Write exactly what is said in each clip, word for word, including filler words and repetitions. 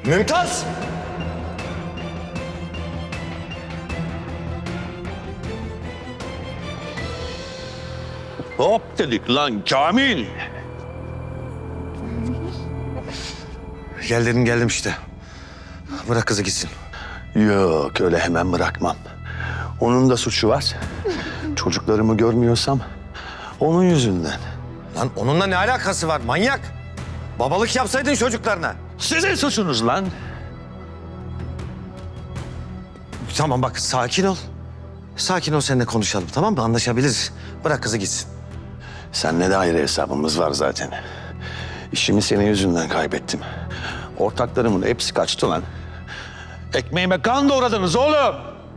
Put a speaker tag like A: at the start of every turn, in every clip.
A: Mümtaz!
B: Hop dedik lan Kamil.
A: Geldim geldim işte. Bırak kızı gitsin.
B: Yok öyle hemen bırakmam. Onun da suçu var. Çocuklarımı görmüyorsam onun yüzünden.
A: Lan onunla ne alakası var manyak? Babalık yapsaydın çocuklarına.
B: Sizin suçunuz lan.
A: Tamam bak sakin ol. Sakin ol seninle konuşalım tamam mı? Anlaşabiliriz. Bırak kızı gitsin.
B: Seninle de ayrı hesabımız var zaten. İşimi senin yüzünden kaybettim. Ortaklarımın hepsi kaçtı lan. Ekmeğime kan doğradınız oğlum.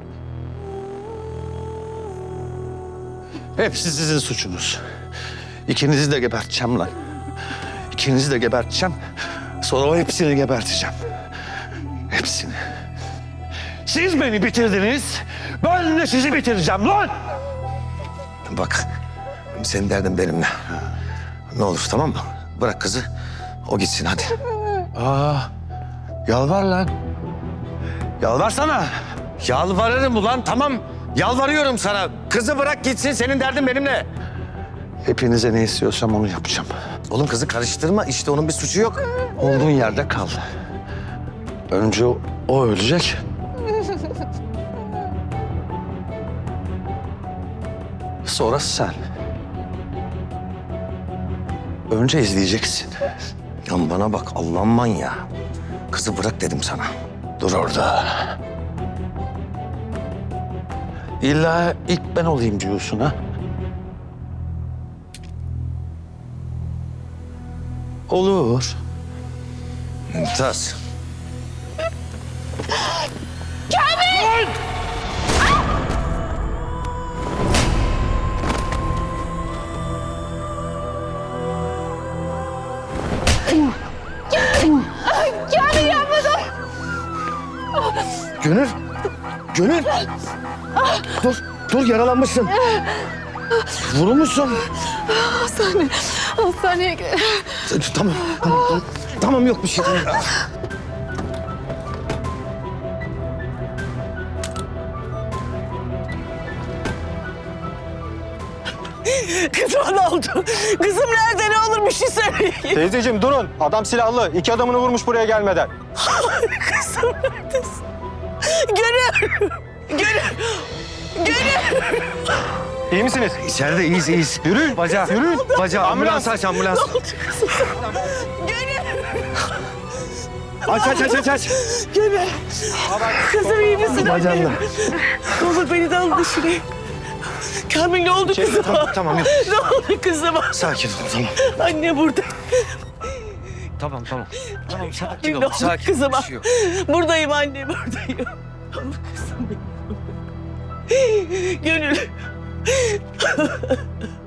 B: Hepsi sizin suçunuz. İkinizi de geberteceğim lan. İkinizi de geberteceğim. Sonra o hepsini geberteceğim. Hepsini. Siz beni bitirdiniz. Ben de sizi bitireceğim lan.
A: Bak senin derdin benimle. Ne olur tamam mı? Bırak kızı. O gitsin hadi.
B: Aa, yalvar lan. Yalvarsana.
A: Yalvarırım ulan tamam. Yalvarıyorum sana. Kızı bırak gitsin. Senin derdin benimle.
B: Hepinize ne istiyorsam onu yapacağım.
A: Oğlum kızı karıştırma. İşte onun bir suçu yok.
B: Olduğun yerde kal. Önce o, o ölecek. Sonra sen. Önce izleyeceksin.
A: Ya bana bak Allah'ın manyağı. Kızı bırak dedim sana.
B: Dur orada. İlla ilk ben olayım diyorsun ha? Olur.
A: Mümtaz.
C: Kamil yapmadım.
A: Gönül. Gönül. Dur. Dur yaralanmışsın. Vurulmuşsun.
C: Hastane. Hastaneye gidelim.
A: Tamam. Tamam, tamam yok bir şey.
D: Kızıma ne oldu? Kızım nerede? Ne olur bir şey söyleyin.
E: Teyzeciğim durun. Adam silahlı. İki adamını vurmuş buraya gelmeden.
D: Kızım neredesin? Gönül! Gönül! Gönül!
E: İyi misiniz?
A: İçeride iyiyiz iyiyiz.
E: Yürü.
A: Bacağı.
E: Yürü.
A: Bacağı. Ambulans aç ambulans.
D: Gönül!
A: Aç aç aç aç aç.
D: Gönül! Kızım iyi misin?
A: Bacağımla.
D: Ne olur beni de al dışarı. Kamil ne oldu kızıma?
A: Tamam, tamam yok.
D: Ne oldu kızıma?
A: Sakin ol tamam.
D: Anne burada.
A: Tamam tamam. Tamam sakin
D: Ne
A: ol.
D: oldu
A: Sakin.
D: kızıma?
A: Bir şey yok.
D: Buradayım anne buradayım. Ama kızım benim. Gönül.